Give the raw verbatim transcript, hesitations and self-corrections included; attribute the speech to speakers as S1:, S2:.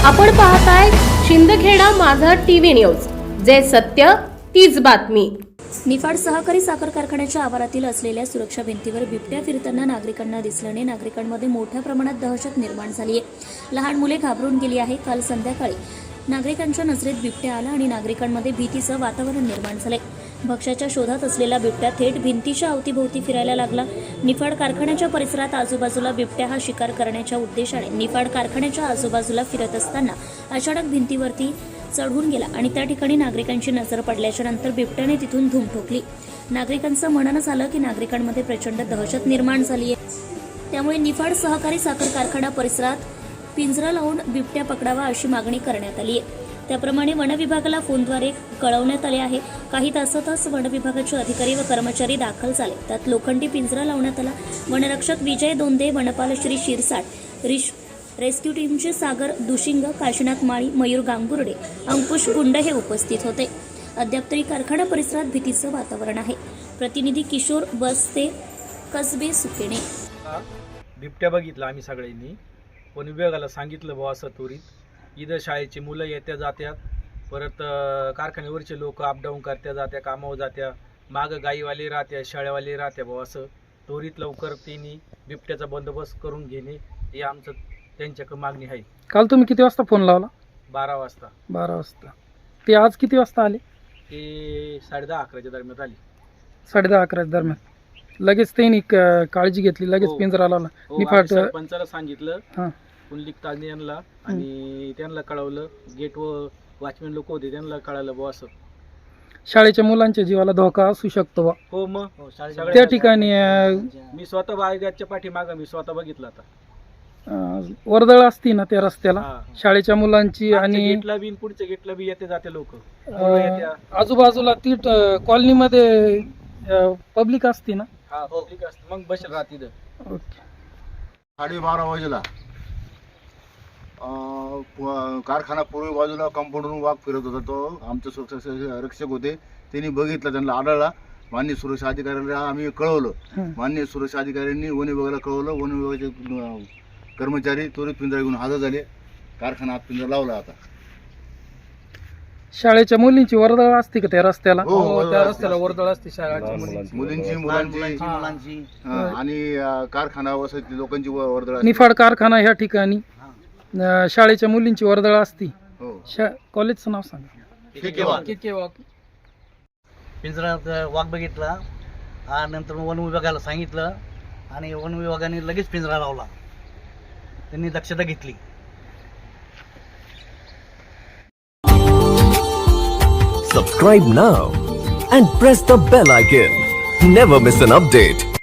S1: आपण पाहताय शिंदखेडा माझा टीव्ही न्यूज, जे सत्य तीच बातमी।
S2: निफाड सहकारी साखर कारखान्याच्या आवारातील असलेल्या सुरक्षा भिंतीवर बिबट्या फिरताना नागरिकांना दिसल्याने नागरिकांमध्ये मोठ्या प्रमाणात दहशत निर्माण झाली आहे। लहान मुले घाबरून गेली आहे। काल संध्याकाळी नागरिकांच्या नजरेत बिबट्या आला आणि नागरिकांमध्ये भीतीचं वातावरण निर्माण झाले। भक्ष्याच्या शोधात असलेला बिबट्या थेट भिंतीच्या अवतीभोवती फिरायला लागला। निफाड कारखान्याच्या परिसरात आजूबाजूला बिबट्या हा शिकार करण्याच्या उद्देशाने निफाड कारखान्याच्या आजूबाजूला फिरत असताना अचानक भिंतीवरती चढून गेला आणि त्या ठिकाणी नागरिकांची नजर पडल्याच्या नंतर बिबट्याने तिथून धूम ठोकली। नागरिकांचं म्हणणं झालं की नागरिकांमध्ये प्रचंड दहशत निर्माण झाली आहे। त्यामुळे निफाड सहकारी साखर कारखाना परिसरात पिंजरा लावून बिबट्या पकडावा अशी मागणी करण्यात आली आहे। त्याप्रमाणे वन विभागाला फोनद्वारे कळवण्यात आले आहे। काही तासातच वन विभागाचे अधिकारी व कर्मचारी दाखल झाले। त्यात लोखंडी पिंजरा लावण्यात आला। वनरक्षक विजय दोंदे, वनपाल श्री शिरसाट, रिश रेस्क्यू टीमचे सागर दुशिंग, काशीनाथ माळी, मयूर गांगुर्डे, अंकुश गुंड हे उपस्थित होते। अद्याप तरी कारखाना परिसरात भीतीचं वातावरण आहे। प्रतिनिधी किशोर बसते, कसबे सुकेने।
S3: बिबट्या बघितला आम्ही सगळ्यांनी, वन विभागाला सांगितलं बुवा असं त्वरित। इथं शाळेची मुलं येत्या जात्यात, परत कारखान्यावरचे लोक अपडाऊन करत्या जात्या, कामावर जात्या, मागं गाईवाले राहत्या, शाळेवाले राहत्या बुवा असं। त्वरित लवकर त्यांनी बिबट्याचा बंदोबस्त करून घेणे हे आमचं त्यांच्याकडे मागणी आहे।
S4: काल तुम्ही किती वाजता फोन लावला?
S3: बारा वाजता।
S4: बारा वाजता ते आज किती वाजता आले?
S3: ते साडे दहा अकराच्या दरम्यान आली।
S4: साडे दहा अकराच्या दरम्यान लगेच त्यांनी क- काळजी घेतली, लगेच
S3: हो.
S4: पिंजरा लावला।
S3: हो,
S4: निफाड
S3: आम्ही सरपंचाला सांगितलं,
S4: हां
S3: पुंडलिक ताजने यांना, आणि त्यांना कळवलं। गेट व वॉचमॅन लोक होते त्यांना कळालं बुवा असं।
S4: शाळेच्या मुलांच्या जीवाला धोका असू शकतो बा।
S3: हो मग
S4: त्या ठिकाणी अं,
S3: मी स्वतः बाळगाच्या पाठीमागं मी स्वतः बघितलं आता।
S4: अं, वर्दळ असती ना त्या रस्त्याला
S3: हा.
S4: शाळेच्या मुलांची
S3: आणि
S4: आणि
S3: गेटला बी पुढच्या गेटला बी येते जाते लोक।
S4: अं, आजूबाजूला ती कॉलनीमध्ये पब्लिक असती ना।
S3: हा पब्लिक असते, मग बसेल राहत तिथं।
S4: ओके।
S5: साडे बारा वाजेला अं, प- कारखाना पूर्वी बाजूला कंपाऊंडवरून वाघ फिरत होता। तो आमचे सुरक्षा रक्षक होते, त्यांनी बघितलं, त्यांना आढळला। माननीय सुरक्षा अधिकाऱ्यांना आम्ही कळवलं।
S4: हं.
S5: माननीय सुरक्षा अधिकाऱ्यांनी वन विभागाला कळवलं। वन विभागाचे अं, कर्मचारी त्वरित पिंजरा घेऊन हजर झाले। कारखाना आत पिंजरा लावला आता।
S4: शाळेच्या मुलींची वर्दळ असते का त्या रस्त्याला?
S5: हो, वर्दळ
S4: त्या
S5: असते.
S4: रस्त्याला वर्दळ असते शाळेच्या मुलींची।
S5: मुलींची, मुलांची, हं, आणि अं, कारखाना वसती लोकांची व- वर्दळ असते।
S4: निफाड कारखाना ह्या ठिकाणी अं, शाळेच्या मुलींची वर्दळ असती।
S5: हो,
S4: शा कॉलेजचं नाव सांगा।
S5: ठीक आहे।
S6: पिंजऱ्यात वाघ बघितला आणि नंतर वन विभागाला सांगितलं आणि वन विभागाने लगेच पिंजरा लावला। त्यांनी दक्षता घेतली।
S7: Subscribe now and press the bell icon. Never miss an update.